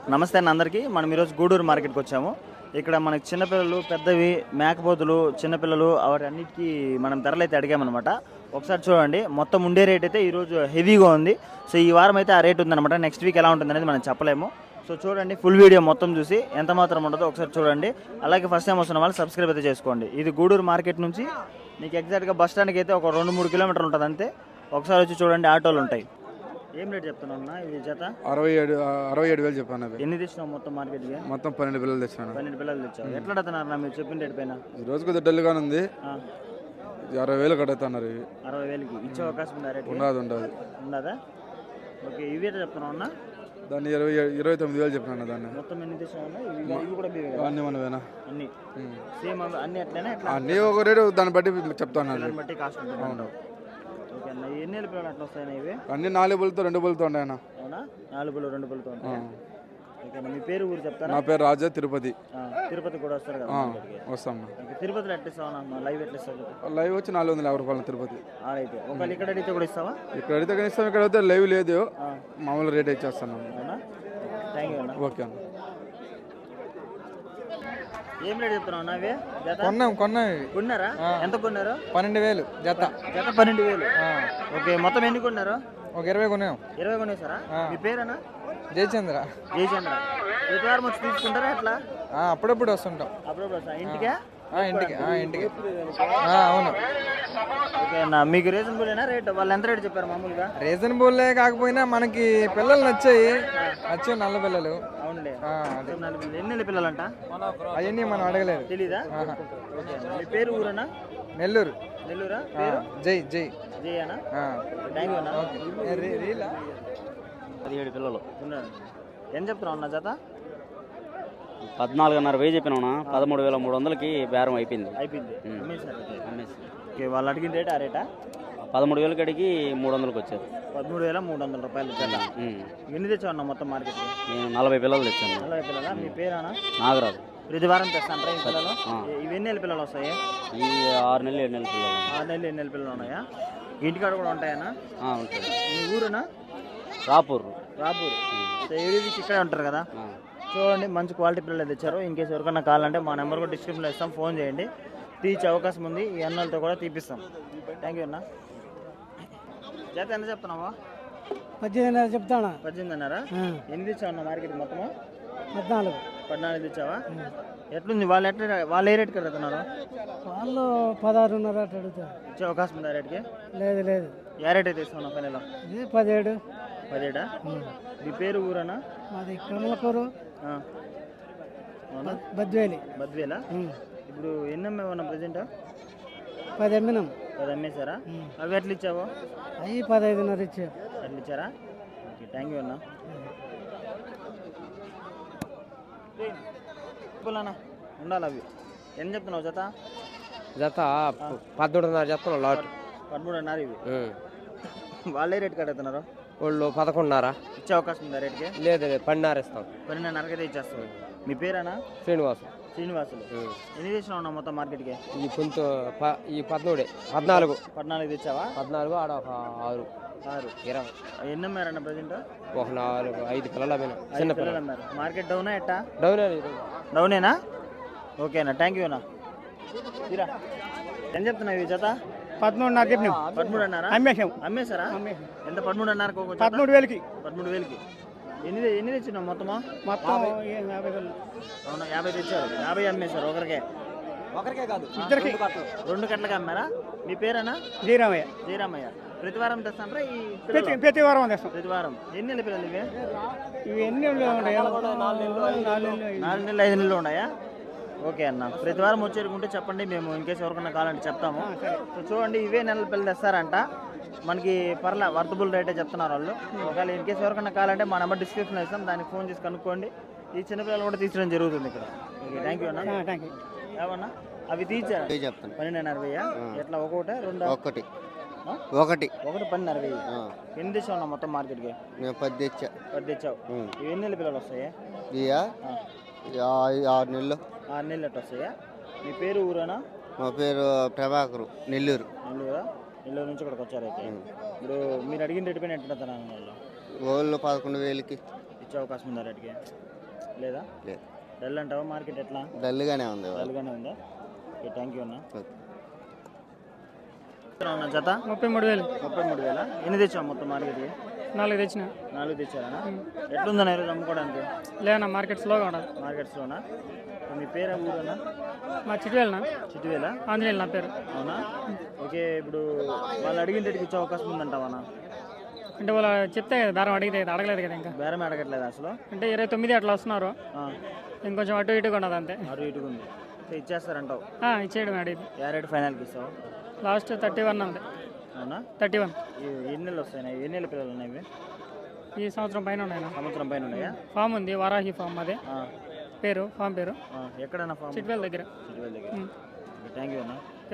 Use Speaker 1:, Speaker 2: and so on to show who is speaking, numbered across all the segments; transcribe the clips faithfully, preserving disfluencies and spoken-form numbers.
Speaker 1: నమస్తే అన్న అందరికీ. మనం ఈరోజు గూడూరు మార్కెట్కి వచ్చాము. ఇక్కడ మనకి చిన్నపిల్లలు, పెద్దవి, మేకపోతులు, చిన్నపిల్లలు వాటి అన్నిటికీ మనం ధరలు అయితే అడిగామన్నమాట. ఒకసారి చూడండి, మొత్తం ఉండే రేట్ అయితే ఈరోజు హెవీగా ఉంది. సో ఈ వారం అయితే ఆ రేట్ ఉందన్నమాట. నెక్స్ట్ వీక్ ఎలా ఉంటుంది అనేది మనం చెప్పలేము. సో చూడండి, ఫుల్ వీడియో మొత్తం చూసి ఎంత మాత్రం ఉండదో ఒకసారి చూడండి. అలాగే ఫస్ట్ టైం వస్తున్న వాళ్ళు సబ్స్క్రైబ్ అయితే చేసుకోండి. ఇది గూడూరు మార్కెట్ నుంచి మీకు ఎగ్జాక్ట్గా బస్ స్టాండ్కి అయితే ఒక రెండు మూడు కిలోమీటర్లు ఉంటుంది అంతే. ఒకసారి వచ్చి చూడండి, ఆటోలు ఉంటాయి. ఏం రేట్ చెప్తున్నా ఇది జత?
Speaker 2: అరవై ఏడు అరవై ఏడు వేలు చెప్పాను. అవి
Speaker 1: ఎన్ని తెచ్చినావు మొత్తం మార్కెట్కి?
Speaker 2: మొత్తం పన్నెండు పిల్లలు తెచ్చాను.
Speaker 1: పన్నెండు పిల్లలు తెచ్చావు. ఎట్లా అడుగుతున్నారు మీరు చెప్పిన రేట్ పైన?
Speaker 2: ఈ రోజు కొద్దిగా డల్గానే ఉంది. అరవై వేలు కడుగుతున్నారు. ఇవి
Speaker 1: అరవై వేలకి ఇచ్చే అవకాశం ఉందా? రేట్
Speaker 2: ఉండదు ఉండదు
Speaker 1: ఉండదా? ఓకే, ఇవి ఎట్లా చెప్తున్నావు అన్న?
Speaker 2: దాన్ని ఇరవై ఇరవై తొమ్మిది వేలు చెప్పినాను. దాన్ని
Speaker 1: మొత్తం ఎన్ని తెచ్చినావు? ఇవి కూడా
Speaker 2: అన్ని మనవేనా?
Speaker 1: అన్ని సేమ్ అన్ని అట్లనే?
Speaker 2: అన్ని ఒక రేటు దాన్ని బట్టి చెప్తాను.
Speaker 1: దాన్ని బట్టి కాస్ట్ ఉంటుంది. ఓకే అన్న, ఎన్ని వేల పిల్లలు అట్లా వస్తాయి ఇవి?
Speaker 2: అన్ని నాలుగు బుల్తో రెండు బుల్తో ఉన్నాయన్న.
Speaker 1: అవునా? నాలుగు బుల్లు రెండు బుల్తో ఉంటాయి. ఓకే అన్న, మీ పేరు ఊరు చెప్తారా?
Speaker 2: నా పేరు రాజా, తిరుపతి.
Speaker 1: తిరుపతి కూడా వస్తారు కదా?
Speaker 2: వస్తాం.
Speaker 1: తిరుపతిలో ఎట్లా ఇస్తావా? లైవ్ ఎట్లా ఇస్తావు?
Speaker 2: లైవ్ వచ్చి నాలుగు వందల యాభై రూపాయలు తిరుపతి.
Speaker 1: అయితే ఒకవేళ ఇక్కడ అడిగితే కూడా ఇస్తావా?
Speaker 2: ఇక్కడ అడిగితే కానీ ఇస్తాం. ఇక్కడ అయితే లైవ్ లేదు, మామూలు రేట్ ఇచ్చేస్తాను.
Speaker 1: అవునా? థ్యాంక్ యూ అన్న.
Speaker 2: ఓకే అన్న.
Speaker 1: ఏం రేట్ చెప్తున్నావు అన్న? అవి
Speaker 3: కొన్నాం కొన్నాం
Speaker 1: కొన్నారా? ఎంత కొన్నారు?
Speaker 3: పన్నెండు వేలు జత.
Speaker 1: జత పన్నెండు వేలు. ఓకే, మొత్తం ఎన్ని కొన్నారు?
Speaker 3: ఒక ఇరవై కొన్నాం.
Speaker 1: ఇరవై కొనేసారా? మీ పేరేనా?
Speaker 3: జయచంద్ర.
Speaker 1: జయచంద్ర. ప్రతి వారం వచ్చి తీసుకుంటారా ఎట్లా?
Speaker 3: అప్పుడప్పుడు వస్తుంటాం.
Speaker 1: అప్పుడప్పుడు వస్తా ఇంటికే?
Speaker 3: ఇంటికి ఇంటికి అవును.
Speaker 1: ఓకే అన్న, మీకు రీజనబుల్నా రేట్? వాళ్ళు ఎంత రేట్ చెప్పారు మామూలుగా?
Speaker 3: రీజనబుల్ కాకపోయినా మనకి పిల్లలు నచ్చాయి. నచ్చాయి నల్ల పిల్లలు.
Speaker 1: అవునండి. ఎన్ని పిల్లలు అంట?
Speaker 3: అవన్నీ మనం అడగలేదు.
Speaker 1: తెలీదా? ఓకే, మీ పేరు ఊరన్నా?
Speaker 3: నెల్లూరు.
Speaker 1: నెల్లూరా? పేరు?
Speaker 3: జై జై
Speaker 1: జై అన్న. థ్యాంక్ యూ అన్న.
Speaker 4: పదిహేడు పిల్లలు
Speaker 1: ఉన్నారు. ఏం చెప్తున్నావు అన్న జత?
Speaker 4: పద్నాలుగున్నర వెయ్యి చెప్పినా. పదమూడు వేల మూడు వందలకి బేరం అయిపోయింది.
Speaker 1: అయిపోయింది.
Speaker 4: అమ్మేసి
Speaker 1: ఓకే, వాళ్ళు అడిగిన రేట్ ఆ రేటా?
Speaker 4: పదమూడు వేలకి అడిగి మూడు వందలకి వచ్చారు.
Speaker 1: పదమూడు వేల మూడు వందల రూపాయలు జత. ఎన్ని తెచ్చావు అన్న మొత్తం మార్కెట్?
Speaker 4: నేను నలభై పిల్లలు తెచ్చాను.
Speaker 1: నలభై పిల్లలా? మీ పేరేనా?
Speaker 4: నాగరాజు.
Speaker 1: ప్రతి వారం తెస్తాను ఈ పిల్లలు. ఇవి ఎన్ని నెలల పిల్లలు వస్తాయి?
Speaker 4: ఈ ఆరు నెలలు ఏడు నెలల పిల్లలు.
Speaker 1: ఆరు నెలలు ఎన్ని నెలల పిల్లలు ఉన్నాయా? ఇంటికాడ కూడా ఉంటాయన్నా?
Speaker 4: ఉంటాయి.
Speaker 1: మీ ఊరునా?
Speaker 4: రాపూర్.
Speaker 1: రాపూర్. ఏది ఇక్కడే ఉంటారు కదా? చూడండి, మంచి క్వాలిటీ పిల్లలు తెచ్చారు. ఇన్కేస్ ఎవరికన్నా కావాలంటే మా నెంబర్ కూడా డిస్క్రిప్షన్లో ఇస్తాం, ఫోన్ చేయండి. తీర్చే అవకాశం ఉంది. ఈ అన్నలతో కూడా తీపిస్తాం. థ్యాంక్ యూ అన్న. జత ఎంత చెప్తున్నావా?
Speaker 5: పద్దెనిమిదిన్నర చెప్తానా?
Speaker 1: పద్దెనిమిదిన్నర. ఎన్ని తెచ్చావు అన్న మార్కెట్ మొత్తము?
Speaker 5: పద్నాలుగు.
Speaker 1: పద్నాలుగు తెచ్చావా? ఎట్లుంది? వాళ్ళు ఎట్లా వాళ్ళు ఏ రేట్కి అడుగుతున్నారు?
Speaker 5: వాళ్ళు పదహారున్నర అట్లా అడుగుతారు.
Speaker 1: ఇచ్చే అవకాశం ఉంది ఆ రేట్కి?
Speaker 5: లేదు లేదు.
Speaker 1: ఏ రేట్ అయితే ఇస్తాను ఫైనల్?
Speaker 5: ఇది పదిహేడు.
Speaker 1: పదిహేడా? మీ పేరు ఊరనా?
Speaker 5: మాది కమలకూరు, బద్వేలి.
Speaker 1: బద్వేలా? ఇప్పుడు ఎన్ని అమ్మేవన్నా ప్రజెంట్?
Speaker 5: పది అమ్మినాం.
Speaker 1: పది అమ్మేశారా? అవి ఎట్లా ఇచ్చావు?
Speaker 5: అవి పదహైదున్నర ఇచ్చారు.
Speaker 1: ఎట్లా ఇచ్చారా? ఓకే, థ్యాంక్ యూ అన్న. అన్న ఉండాలి. అవి ఎన్ని చెప్తున్నావు జత?
Speaker 3: జత పదమూడున్నర చెప్తున్నాం. లాట్
Speaker 1: పదమూడున్నర. ఇవి వాళ్ళే రేట్ కడుగుతున్నారు?
Speaker 3: వాళ్ళు పదకొండున్నర.
Speaker 1: ఇచ్చే అవకాశం ఉందా రేట్కి?
Speaker 3: లేదు పన్నెండున్నర ఇస్తాం.
Speaker 1: పన్నెండున్నరకైతే ఇచ్చేస్తాం. మీ పేరేనా?
Speaker 3: శ్రీనివాసు.
Speaker 1: శ్రీనివాసులు. ఎన్ని తెచ్చినా ఉన్నా మొత్తం మార్కెట్కి?
Speaker 3: ఈ కొంత ఈ పదమూడే. పద్నాలుగు.
Speaker 1: పద్నాలుగు తెచ్చావా?
Speaker 3: పద్నాలుగు ఆడ ఒక ఆరు
Speaker 1: ఆరు.
Speaker 3: ఇరవై.
Speaker 1: ఎన్ని అమ్మారన్న ప్రజెంట్?
Speaker 3: ఒక నాలుగు ఐదు పిల్లలు అమ్మినా.
Speaker 1: చిన్న పిల్లలు అమ్మారు. మార్కెట్ డౌనా ఎట్టా?
Speaker 3: డౌన్.
Speaker 1: డౌనేనా? ఓకేనా, థ్యాంక్ యూ అన్న. తీరా ఏం చెప్తున్నావు ఈ జత?
Speaker 5: పదమూడున్నర చెప్పినాం.
Speaker 1: పదమూడు అన్నారా?
Speaker 5: అమ్మేసాం.
Speaker 1: అమ్మేశారా? ఎంత? పదమూడు అన్నారు.
Speaker 5: పదమూడు వేలకి.
Speaker 1: పదమూడు వేలకి. ఎన్ని ఎన్ని తెచ్చినావు మొత్తమా?
Speaker 5: మొత్తం యాభై వేలు.
Speaker 1: అవునా, యాభై తెచ్చారు. యాభై అమ్మేశారు ఒకరికే?
Speaker 3: ఒకరికే కాదు,
Speaker 5: ఇద్దరికి.
Speaker 1: రెండు కట్లకి అమ్మారా? మీ పేరేనా?
Speaker 5: జయరామయ్య.
Speaker 1: జయరామయ్య. ప్రతి వారం తెస్తాంటారా? ఈ
Speaker 5: ప్రతి ప్రతి వారం తెస్తాం.
Speaker 1: ప్రతి వారం. ఎన్ని నెలల పిల్లలు ఇవి?
Speaker 5: ఇవి ఎన్ని ఉన్నాయి?
Speaker 1: నాలుగు నెలలు ఐదు నెలలు ఉన్నాయా? ఓకే అన్న, ప్రతి వారం వచ్చేరుకుంటే చెప్పండి, మేము ఇన్కేస్ ఎవరికన్నా కావాలంటే చెప్తాము. సో చూడండి, ఇవే నెలల పిల్లలు తెస్తారంట. మనకి పర్లే వర్తబుల్ రేటే చెప్తున్నారు వాళ్ళు. ఒకవేళ ఇన్కేస్ ఎవరికన్నా కావాలంటే మా నెంబర్ డిస్క్రిప్షన్లో ఇస్తాం, దానికి ఫోన్ చేసి కనుక్కోండి. ఈ చిన్నపిల్లలు కూడా తీర్చడం జరుగుతుంది ఇక్కడ. ఓకే, థ్యాంక్ యూ అన్న.
Speaker 5: Thank you.
Speaker 1: ఏమన్నా అవి తీర్చారు?
Speaker 4: చెప్తాను.
Speaker 1: పన్నెండున్నర వెయ్యి. ఎట్లా? ఒకటి రెండు?
Speaker 4: ఒకటి ఒకటి
Speaker 1: ఒకటి పన్నెన్నర వెయ్యి. ఎన్ని తెచ్చావు అన్న మొత్తం మార్కెట్కి?
Speaker 4: నేను పది తెచ్చా.
Speaker 1: పది తెచ్చావు. ఇవి ఎన్ని నెలల పిల్లలు వస్తాయి?
Speaker 4: ఇయా ఆరు నెలలు.
Speaker 1: ఆరు నెలలు ఎట్లా వస్తాయా? మీ పేరు ఊరేనా?
Speaker 4: మా పేరు ప్రభాకరు, నెల్లూరు.
Speaker 1: నెల్లూరా? నెల్లూరు నుంచి ఇక్కడికి వచ్చారైతే. ఇప్పుడు మీరు అడిగిన రేటు పైన ఎట్లా వాళ్ళు?
Speaker 4: వాళ్ళు పదకొండు వేలకి
Speaker 1: ఇచ్చే అవకాశం ఉందా రేటుకి లేదా
Speaker 4: లేదు.
Speaker 1: డల్ అంటావా మార్కెట్ ఎట్లా
Speaker 4: డల్గానే ఉంది ఇవాళ.
Speaker 1: డల్గానే ఉందా ఓకే థ్యాంక్ యూ అన్న
Speaker 4: ఓకే.
Speaker 1: అన్న జత
Speaker 5: ముప్పై మూడు వేలు
Speaker 1: ముప్పై మూడు వేల ఎన్ని తెచ్చావు మొత్తం మార్కెట్కి
Speaker 5: నాలుగు తెచ్చిన
Speaker 1: నాలుగు తెచ్చారా ఎట్లుందన్న ఈరోజు అమ్ముకోవడానికి
Speaker 5: లేదన్నా మార్కెట్ స్లోగా ఉండదు.
Speaker 1: మార్కెట్స్లోనా మీ పేరు ఊరన్నా
Speaker 5: మా చిట్టువేలనా
Speaker 1: చిట్టువేలా
Speaker 5: ఆంజనేయులు నా పేరు.
Speaker 1: అవునా ఓకే ఇప్పుడు వాళ్ళు అడిగిన రేటుకి ఇచ్చే అవకాశం ఉందంటావా
Speaker 5: అంటే వాళ్ళు చెప్తే కదా బేరం అడిగితే కదా, అడగలేదు కదా ఇంకా.
Speaker 1: బేరం అడగట్లేదు అసలు
Speaker 5: అంటే ఇరవై తొమ్మిది అట్లా వస్తున్నారు,
Speaker 1: ఆ,
Speaker 5: ఇంకొంచెం అటు ఇటుగా ఉన్నది అంతే.
Speaker 1: అటు ఇటుగా ఉంది సో ఇచ్చేస్తారంటావు
Speaker 5: ఆ, ఇచ్చేయడం అడిగింది.
Speaker 1: ఏ రేటు ఫైనల్కి ఇస్తావు
Speaker 5: లాస్ట్ థర్టీ వన్ అంతే.
Speaker 1: అవునా
Speaker 5: థర్టీ వన్
Speaker 1: ఈ ఎన్ని నెలలు వస్తాయి ఎన్ని నెలల పిల్లలు ఉన్నాయి ఇవి?
Speaker 5: ఈ సంవత్సరం పైన ఉన్నాయి.
Speaker 1: సంవత్సరం పైన ఉన్నాయా
Speaker 5: ఫామ్ ఉంది, వారాహి ఫామ్ అదే
Speaker 1: ఆ,
Speaker 5: పేరు, ఫామ్ పేరు
Speaker 1: ఆ, ఎక్కడన్నా ఫామ్
Speaker 5: చిట్టువేల దగ్గర.
Speaker 1: చిట్టువేల దగ్గర
Speaker 5: ఉమ్.
Speaker 1: థ్యాంక్ యూ అన్న
Speaker 5: ఓకే.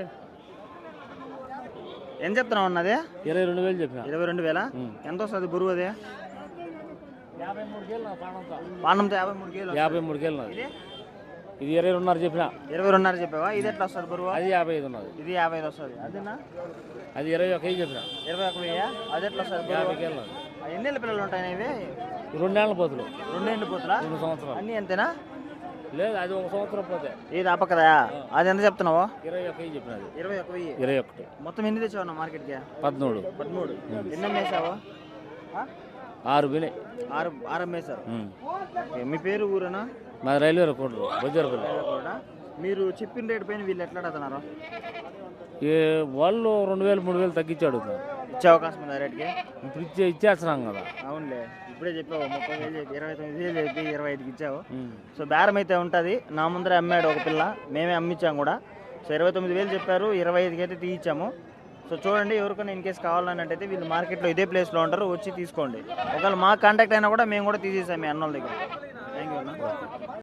Speaker 1: ఏం చెప్తున్నావు అన్నది
Speaker 6: ఇరవై రెండు వేలు చెప్పిన
Speaker 1: ఇరవై రెండు వేల ఎంత వస్తుంది బరువు అదే
Speaker 6: యాభై మూడు కేలు నా ప్రాణంతో
Speaker 1: పానంతో యాభై మూడు కేలు
Speaker 6: యాభై మూడు కేలు నాది.
Speaker 1: ఇది
Speaker 6: ఇది ఇరవై రెండున్నర చెప్పిన
Speaker 1: ఇరవై రెండున్నర చెప్పావా ఇది ఎట్లా వస్తుంది బరువు
Speaker 6: అది యాభై ఐదు ఉన్నది.
Speaker 1: ఇది యాభై ఐదు వస్తుంది అదేనా
Speaker 6: అది ఇరవై ఒక ఐదు చెప్పిన
Speaker 1: ఇరవై ఒక వెయ్యి అది ఎట్లా వస్తుంది
Speaker 6: యాభై
Speaker 1: బరువు
Speaker 6: కేలు నాది.
Speaker 1: ఆ, ఎన్ని నెలల పిల్లలు ఉంటాయి ఇవి
Speaker 6: రెండేళ్ల పోతులు
Speaker 1: రెండేళ్ళు పోతులా
Speaker 6: రెండు సంవత్సరాలు
Speaker 1: అన్నీ అంతేనా
Speaker 6: లేదు, అది ఒక సంవత్సరం పోతే
Speaker 1: ఇది అప్పకదా అది ఎంత చెప్తున్నావు
Speaker 6: ఇరవై ఒక ఐదు చెప్పిన అది
Speaker 1: ఇరవై ఒక వెయ్యి
Speaker 6: ఇరవై ఒకటి
Speaker 1: మొత్తం ఎన్ని తెచ్చావు మార్కెట్కి
Speaker 6: పదమూడు
Speaker 1: పదమూడు ఎన్ని అమ్మేసావు ఆ?
Speaker 6: ఆరు బినే
Speaker 1: ఆరు ఆరు అమ్మేశారు ఓకే, మీ పేరు ఊరేనా
Speaker 6: మాది రైల్వే కోట్లు బొజ్జరపల్లి.
Speaker 1: కూడా మీరు చెప్పిన రేటు పైన వీళ్ళు ఎట్లా అడుగుతున్నారు
Speaker 6: ఈ వాళ్ళు రెండు వేలు మూడు వేలు తగ్గించి అడుగుతున్నారు.
Speaker 1: ఇచ్చే అవకాశం ఉందా రేటుకి
Speaker 6: ఇప్పుడు ఇచ్చే ఇచ్చేస్తున్నాం కదా.
Speaker 1: అవునులే ఇప్పుడే చెప్పావు ముప్పై వేలు చెప్పి ఇరవై తొమ్మిది వేలు చెప్పి ఇరవై ఐదుకి ఇచ్చావు
Speaker 6: ఉమ్.
Speaker 1: సో బేరం అయితే ఉంటుంది నా ముందరే అమ్మాడు ఒక పిల్ల మేమే అమ్మించాం కూడా సో ఇరవై తొమ్మిది వేలు చెప్పారు ఇరవై ఐదుకి అయితే తీయించాము సో చూడండి ఎవరికైనా ఇన్ కేసు కావాలన్నట్టయితే వీళ్ళు మార్కెట్లో ఇదే ప్లేస్లో ఉంటారు వచ్చి తీసుకోండి ఒకవేళ మా కాంటాక్ట్ అయినా కూడా మేము కూడా తీసేసాం మీ అన్నోళ్ళ దగ్గర థ్యాంక్ యూ అన్న